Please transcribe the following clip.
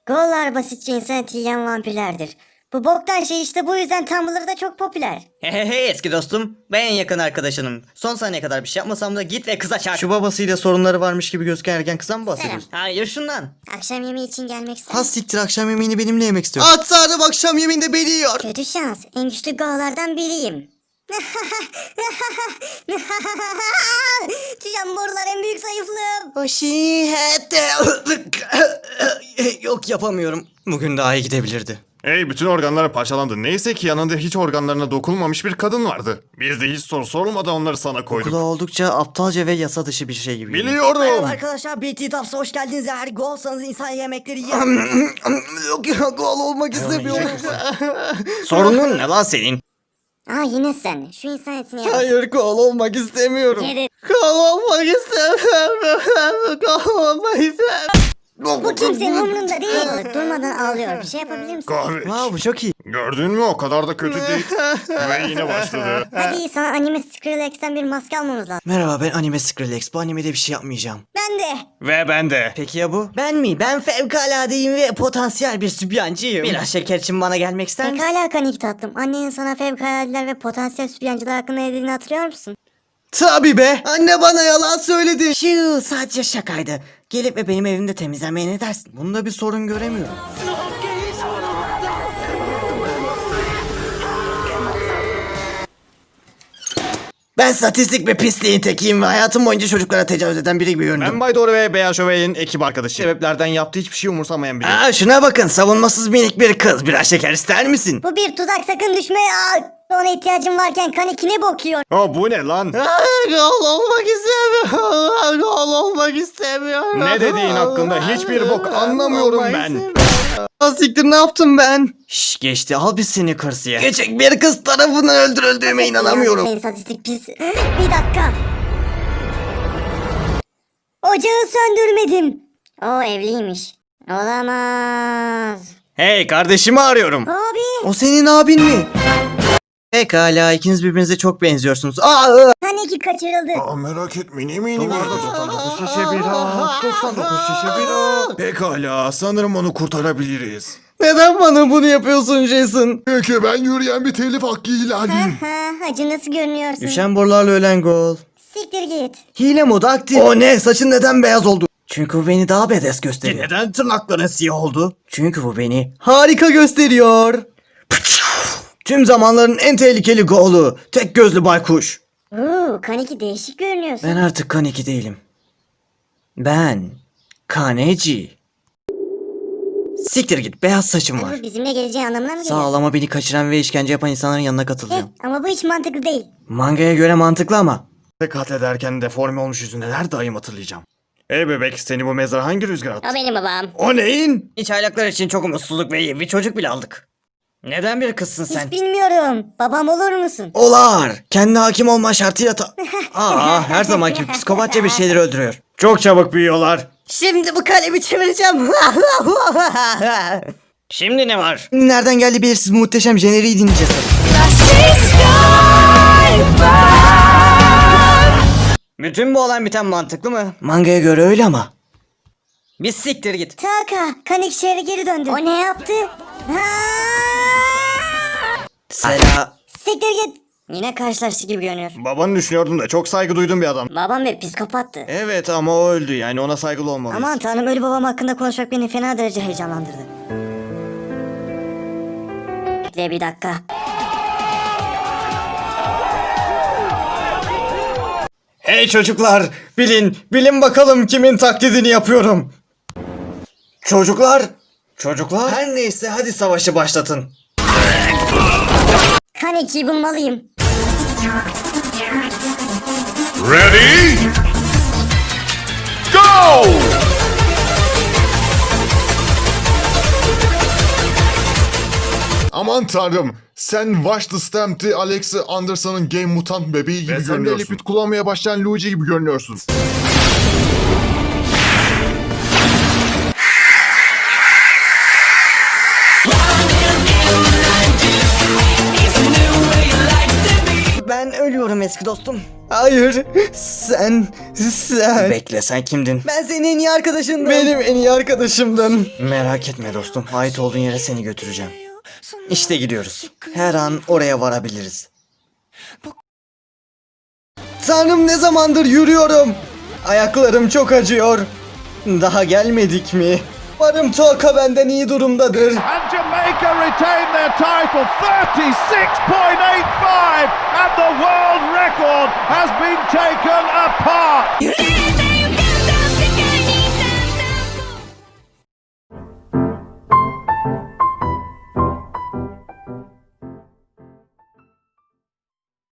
Gollar basitçe insanı yiyen vampirlerdir. Bu boktan şey işte bu yüzden Tumblr'da çok popüler. Hey eski dostum. Ben en yakın arkadaşınım. Son saniye kadar bir şey yapmasam da git ve kıza çarp. Şu babasıyla sorunları varmış gibi gözüken ergen kızdan mı bahsediyorsun? Hayır şundan. Akşam yemeği için gelmek ister Ha misin? siktir, akşam yemeğini benimle yemek istiyorum. At tanrım, akşam yemeğinde beni yiyor. Kötü şans. En güçlü gollardan biriyim. Jamborlar en büyük zayıflığım. Yok, yapamıyorum. Bugün daha iyi gidebilirdi. Hey, bütün organları parçalandı. Neyse ki yanında hiç organlarına dokunulmamış bir kadın vardı. Biz de hiç soru sorulmadan onları sana koyduk. Kulağı oldukça aptalca ve yasa dışı bir şey gibi. Biliyorum. Arkadaşlar BT Taps'a hoş geldiniz. Eğer gol olsanız insan yemekleri yiyin. Yok ya, gol olmak istemiyorum. Sorunun ne lan senin? Aa yine sen. Şu insan etini yap. Hayır, gol olmak istemiyorum. Yedi. Gol olmak istemiyorum. Gol olmak istemiyorum. Bu kimsenin umrunda değil. Durmadan ağlıyor. Bir şey yapabilir misin? Kahve. Wow, bu çok iyi. Gördün mü, o kadar da kötü değil. Ve yine başladı. Hadi sana anime Skrillex'ten bir maske almamız lazım. Merhaba, ben Anime Skrillex. Bu animede bir şey yapmayacağım. Ben de. Ve ben de. Peki ya bu? Ben mi? Ben fevkaladeyim ve potansiyel bir sübyancıyım. Biraz şeker için bana gelmek ister misin? Pekala Kanik tatlım. Annenin sana fevkaladeler ve potansiyel sübyancılar hakkında ne dediğini hatırlıyor musun? Tabii be. Anne bana yalan söyledi. Şu sadece şakaydı. Gelip ve benim evimde temizlemeye ne dersin? Bunda bir sorun göremiyorum. Ben statistik ve pisliğin tekiyim ve hayatım boyunca çocuklara tecavüz eden biri gibi göründüm. Ben Bay Doğru ve Beyaz Şövalye'nin ekip arkadaşı. Sebeplerden yaptığı hiçbir şey umursamayan biri. Aa, şuna bakın, savunmasız minik bir kız. Biraz şeker ister misin? Bu bir tuzak, sakın düşme. Ona ihtiyacım varken Kaniki ne bokuyor? Aa, bu ne lan? Gol olmak istemiyorum. Gol olmak istemiyorum. Ne dediğin hakkında hiçbir bok anlamıyorum ben. Siktir, ne yaptım ben? Şş, geçti, al bir Snickers ye. Küçük bir kız tarafından öldürüldüğüme inanamıyorum. Senin sadistik pis. Bir dakika. Ocağı söndürmedim. O evliymiş. Olamaz. Hey, kardeşimi arıyorum. Abi. O senin abin mi? Pekala, ikiniz birbirinize çok benziyorsunuz. Aa! Kaniki kaçırıldı. Aa, merak etme, eminim. 99 şişe bira. 99 şişe bira. Pekala, sanırım onu kurtarabiliriz. Neden bana bunu yapıyorsun Jason? Çünkü ben yürüyen bir telif hakkı ihlaliyim. Hacı nasıl görünüyorsun? Düşen borularla ölen gol. Siktir git. Hile modu aktif. O ne? Saçın neden beyaz oldu? Çünkü bu beni daha badass gösteriyor. Neden tırnakların siyah oldu? Çünkü bu beni harika gösteriyor. Tüm zamanların en tehlikeli golü. Tek gözlü baykuş. Kaniki değişik görünüyorsun. Ben artık Kaneki değilim. Ben Kaneci. Siktir git, beyaz saçım var. Bu bizimle geleceği anlamına mı geliyor? Sağ ol ama beni kaçıran ve işkence yapan insanların yanına katılacağım. Ama bu hiç mantıklı değil. Mangaya göre mantıklı ama. Katlederken deforme olmuş yüzünde her daim hatırlayacağım. Ey bebek, seni bu mezara hangi rüzgar attı? O benim babam. O neyin? İç aylaklar için çok umutsuzluk ve iyi bir çocuk bile aldık. Neden bir kızsın sen? Hiç bilmiyorum. Babam olur musun? Olar. Kendi hakim olma şartıyla Aa, her zamanki gibi psikopatça bir şeyleri öldürüyor. Çok çabuk büyüyorlar. Şimdi bu kalemi çevireceğim. Şimdi ne var? Nereden geldi belirsiz, muhteşem jeneriği dinleyeceğiz. Bütün bu olan biten mantıklı mı? Mangaya göre öyle ama. Bir siktir git. Taka, Kanik şehre geri döndü. O ne yaptı? Siktir git. Yine karşılaştık gibi görünüyor. Babanı düşünüyordum da çok saygı duyduğum bir adam. Babam bir psikopattı. Evet ama o öldü, yani ona saygılı olmalıyız. Aman tanrım, ölü babam hakkında konuşmak beni fena derece heyecanlandırdı. Bekle bir dakika. Hey çocuklar, bilin bakalım kimin taklidini yapıyorum. Çocuklar, her neyse hadi savaşı başlatın. Kanik'i bulmalıyım. Ready? Go! Aman tanrım, sen Watch the Stamp'ti Alexa Anderson'ın Game Mutant bebeği gibi görünüyorsun. Ve sen de Liquid kullanmaya başlayan Luigi gibi görünüyorsun. Ben ölüyorum. Geliyorum eski dostum. Hayır. Sen. Bekle, sen kimdin? Ben senin en iyi arkadaşındım. Benim en iyi arkadaşımdın. Merak etme dostum. Ait olduğun yere seni götüreceğim. İşte gidiyoruz. Her an oraya varabiliriz. Tanrım, ne zamandır yürüyorum. Ayaklarım çok acıyor. Daha gelmedik mi? Varım Toka benden iyi durumdadır. And Jamaica retain their title 36.85 and the world record has been taken apart.